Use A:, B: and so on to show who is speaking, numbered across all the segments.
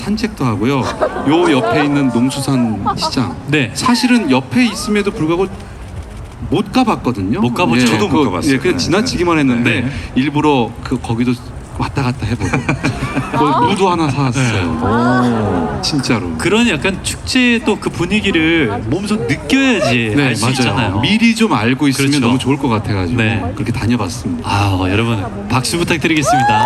A: 산책도 하고요. 요 옆에 있는 농수산 시장.
B: 네.
A: 사실은 옆에 있음에도 불구하고 못 가봤거든요.
B: 못 가봤죠.
C: 저도 못 가봤어요.
A: 예, 그냥
C: 네.
A: 지나치기만 했는데
B: 네.
A: 일부러 거기도 왔다 갔다 해보고 거기 무도 하나 사왔어요. 진짜로.
B: 그런 약간 축제의 또 그 분위기를 몸소 느껴야지
A: 네,
B: 알 수
A: 맞아요.
B: 있잖아요.
A: 미리 좀 알고 있으면
B: 그렇죠.
A: 너무 좋을 것 같아가지고
B: 네.
A: 그렇게 다녀봤습니다.
B: 아, 여러분 박수 부탁드리겠습니다.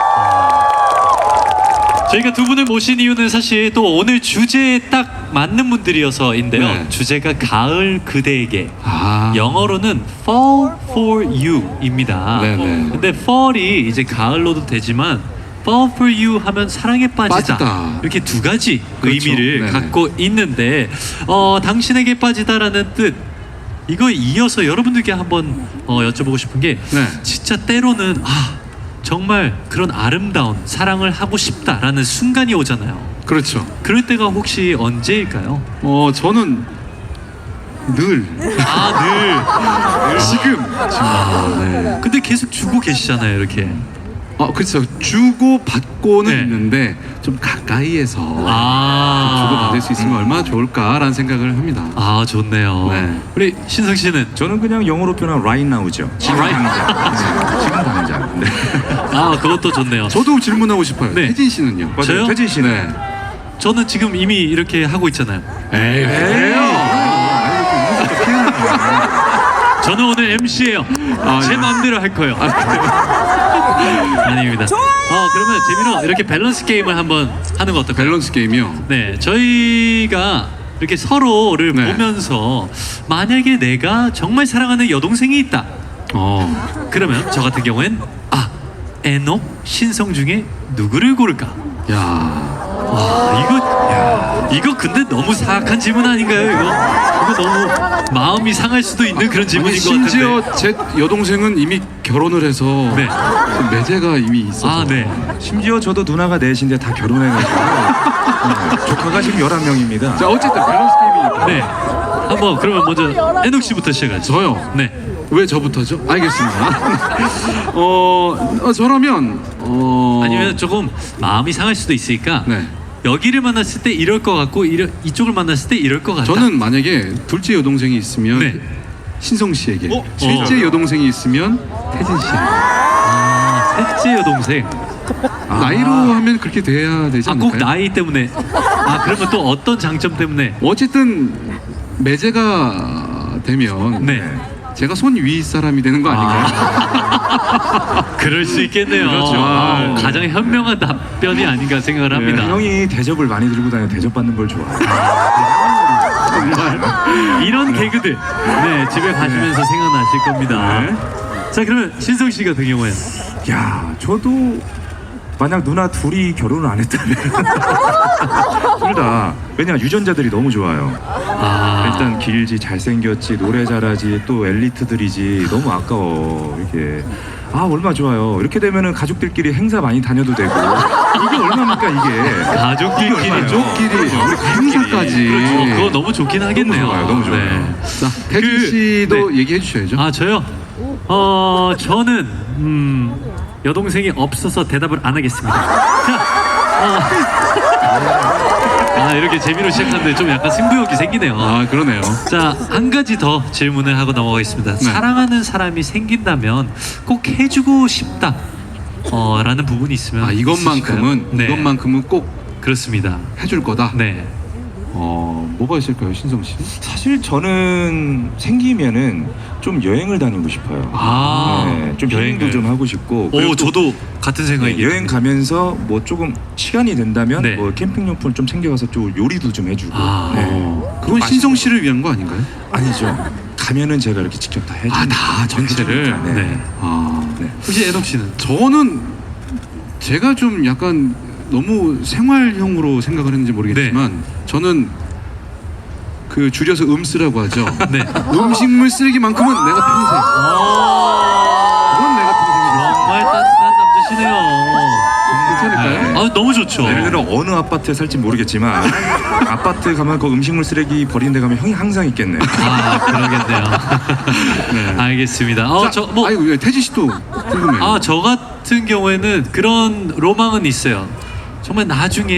B: 저희가 두 분을 모신 이유는 사실 또 오늘 주제에 딱 맞는 분들이어서인데요.
A: 네.
B: 주제가 가을 그대에게.
A: 아,
B: 영어로는 Fall for You입니다.
A: 네네.
B: 근데 fall이 이제 가을로도 되지만 Fall for You 하면 사랑에 빠지다.
A: 빠지다.
B: 이렇게 두 가지
A: 그렇죠.
B: 의미를
A: 네네.
B: 갖고 있는데 당신에게 빠지다라는 뜻. 이거에 이어서 여러분들께 한번 여쭤보고 싶은 게
A: 네.
B: 진짜 때로는 정말 그런 아름다운 사랑을 하고 싶다라는 순간이 오잖아요.
A: 그렇죠.
B: 그럴 때가 혹시 언제일까요?
A: 저는 늘
B: 늘.
A: 지금.
B: 네. 근데 계속 주고 계시잖아요, 이렇게.
A: 그렇죠. 주고 받고는
B: 네.
A: 있는데 좀 가까이에서 주고 받을 수 있으면 얼마나 좋을까라는 생각을 합니다.
B: 좋네요.
A: 네.
B: 우리 신성 씨는
C: 저는 그냥 영어로 표현한 right now죠. 지금
B: right
C: 당장. 네, 지금 당장. 네.
B: 그것도 좋네요.
A: 저도 질문하고 싶어요.
B: 네.
A: 혜진 씨는요?
C: 맞아요.
B: 저요?
C: 태진 씨는.
A: 네.
B: 저는 지금 이미 이렇게 하고 있잖아요.
A: 에이,
B: 저는 오늘 MC예요. 제 마음대로 할 거예요. 아닙니다. 그러면 재민호 이렇게 밸런스 게임을 한번 하는 거 어떨까요?
A: 밸런스 게임이요.
B: 네, 저희가 이렇게 서로를
A: 네.
B: 보면서 만약에 내가 정말 사랑하는 여동생이 있다. 그러면 저 같은 경우엔 에녹, 신성 중에 누구를 고를까?
A: 야,
B: 이거 근데 너무 사악한 질문 아닌가요? 이거 너무 마음이 상할 수도 있는 그런 질문인 것 같은데.
A: 심지어 제 여동생은 이미 결혼을 해서
B: 네.
A: 그 매제가 이미 있어서.
B: 네.
C: 심지어 저도 누나가 넷인데 다 결혼해가지고 조카가 지금 11명입니다.
A: 자, 어쨌든 밸런스 게임이니까.
B: 네. 한번 그러면 먼저 에녹 씨부터 시작하죠.
A: 저요.
B: 네.
A: 왜 저부터죠? 알겠습니다. 저라면
B: 아니면 조금 마음이 상할 수도 있으니까
A: 네.
B: 여기를 만났을 때 이럴 것 같고 이쪽을 만났을 때 이럴 것 같다.
A: 저는 만약에 둘째 여동생이 있으면
B: 네.
A: 신성 씨에게,
B: 어?
A: 셋째 여동생이 있으면 태진 씨에게.
B: 셋째 여동생.
A: 나이로 하면 그렇게 돼야 되지 않을까요?
B: 꼭 나이 때문에. 그러면 또 어떤 장점 때문에?
A: 어쨌든 매제가 되면
B: 네.
A: 제가 손 위 사람이 되는 거 아닌가요?
B: 그럴 수 있겠네요.
A: 그렇죠.
B: 가장 현명한 답변이 아닌가 생각을 합니다.
C: 형이 대접을 많이 들고 다녀 대접받는 걸 좋아해요.
B: 이런 개그들 집에 가시면서 생각나실 겁니다. 자, 그러면 신성 씨 같은 경우엔
C: 야, 저도 만약 누나 둘이 결혼을 안 했다면 둘 다 왜냐 유전자들이 너무 좋아요. 일단 길지, 잘생겼지, 노래 잘하지, 또 엘리트들이지. 너무 아까워. 이게 얼마 좋아요. 이렇게 되면은 가족들끼리 행사 많이 다녀도 되고. 이게 얼마입니까 이게?
B: 가족끼리
A: 가족끼리 행사까지.
B: 그렇죠. 그거 너무 좋긴 하겠네요.
C: 좋아요, 너무 좋아요.
B: 네.
A: 자, 태진 씨도 얘기해 주셔야죠.
B: 저요? 저는 여동생이 없어서 대답을 안 하겠습니다. 자, 이렇게 재미로 시작하는데 좀 약간 승부욕이 생기네요.
A: 그러네요.
B: 자, 한 가지 더 질문을 하고 넘어가겠습니다.
A: 네.
B: 사랑하는 사람이 생긴다면 꼭 해주고 싶다 라는 부분이 있으면
A: 이것만큼은
B: 있으실까요? 네.
A: 이것만큼은 꼭
B: 그렇습니다.
A: 해줄 거다.
B: 네.
A: 뭐가 있을까요, 신성 씨?
C: 사실 저는 생기면은 좀 여행을 다니고 싶어요. 네, 좀 여행도
B: 여행을.
C: 좀 하고 싶고. 그리고 또
B: 저도 같은 생각이에요.
C: 여행 가면서 뭐 조금 시간이 된다면
B: 네.
C: 뭐 캠핑용품을 좀 챙겨가서 좀 요리도 좀 해주고.
A: 그건 신성 씨를 위한 거 아닌가요?
C: 아니죠. 가면은 제가 이렇게 직접 다 해주고.
A: 다 전체를.
C: 네.
B: 네.
C: 네.
B: 혹시 에녹 씨는?
A: 저는 제가 좀 약간 너무 생활형으로 생각을 했는지 모르겠지만 저는 그 줄여서 음쓰라고 하죠.
B: 네.
A: 음식물 쓰레기만큼은 내가 평생. 그건 내가 평생.
B: 정말 따뜻한 남자시네요.
A: 괜찮을까요?
B: 너무 좋죠.
C: 예를 들어 어느 아파트에 살지 모르겠지만 아파트 가면 그 음식물 쓰레기 버리는 데 가면 형이 항상 있겠네요.
B: 그러겠네요.
A: 네.
B: 알겠습니다.
A: 아이고, 태진 씨도 궁금해요.
B: 저 같은 경우에는 그런 로망은 있어요. 정말 나중에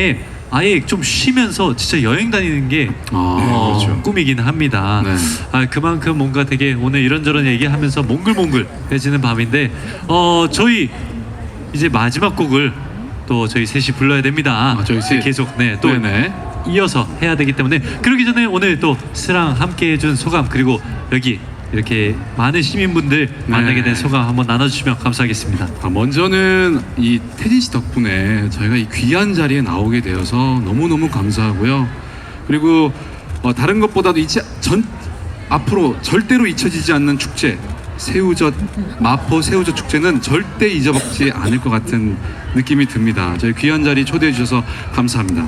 B: 아예 좀 쉬면서 진짜 여행 다니는 게
C: 그렇죠.
B: 꿈이긴 합니다.
A: 네.
B: 그만큼 뭔가 되게 오늘 이런저런 얘기하면서 몽글몽글해지는 밤인데 저희 이제 마지막 곡을 또 저희 셋이 불러야 됩니다.
A: 저희 셋.
B: 계속 또
A: 네네.
B: 이어서 해야 되기 때문에 그러기 전에 오늘 또 스랑 함께 해준 소감 그리고 여기 이렇게 많은 시민분들 만나게 된 소감 한번 나눠주시면 감사하겠습니다.
A: 먼저는 이 태진 씨 덕분에 저희가 이 귀한 자리에 나오게 되어서 너무너무 감사하고요. 그리고 다른 것보다도 앞으로 절대로 잊혀지지 않는 축제 새우젓 마포 새우젓 축제는 절대 잊어먹지 않을 것 같은 느낌이 듭니다. 저희 귀한 자리 초대해 주셔서 감사합니다.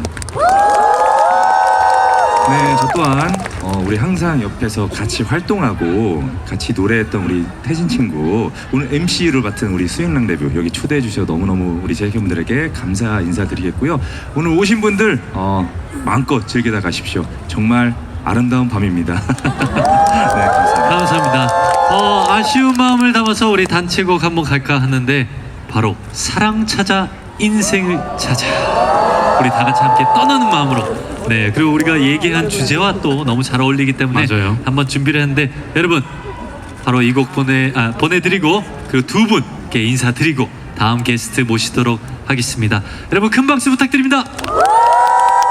C: 네, 저 또한 우리 항상 옆에서 같이 활동하고 같이 노래했던 우리 태진 친구 오늘 MC를 맡은 우리 수영랑 레뷰 여기 초대해 주셔서 너무너무 우리 재팬분들에게 감사 인사드리겠고요. 오늘 오신 분들 마음껏 즐기다 가십시오. 정말 아름다운 밤입니다. 네, 감사합니다.
B: 감사합니다. 아쉬운 마음을 담아서 우리 단체곡 한번 갈까 하는데 바로 사랑 찾아 인생을 찾아 우리 다 같이 함께 떠나는 마음으로 그리고 우리가 얘기한 주제와 또 너무 잘 어울리기 때문에
A: 맞아요.
B: 한번 준비를 했는데 여러분 바로 이 곡 보내드리고 그리고 두 분께 인사드리고 다음 게스트 모시도록 하겠습니다. 여러분 큰 박수 부탁드립니다.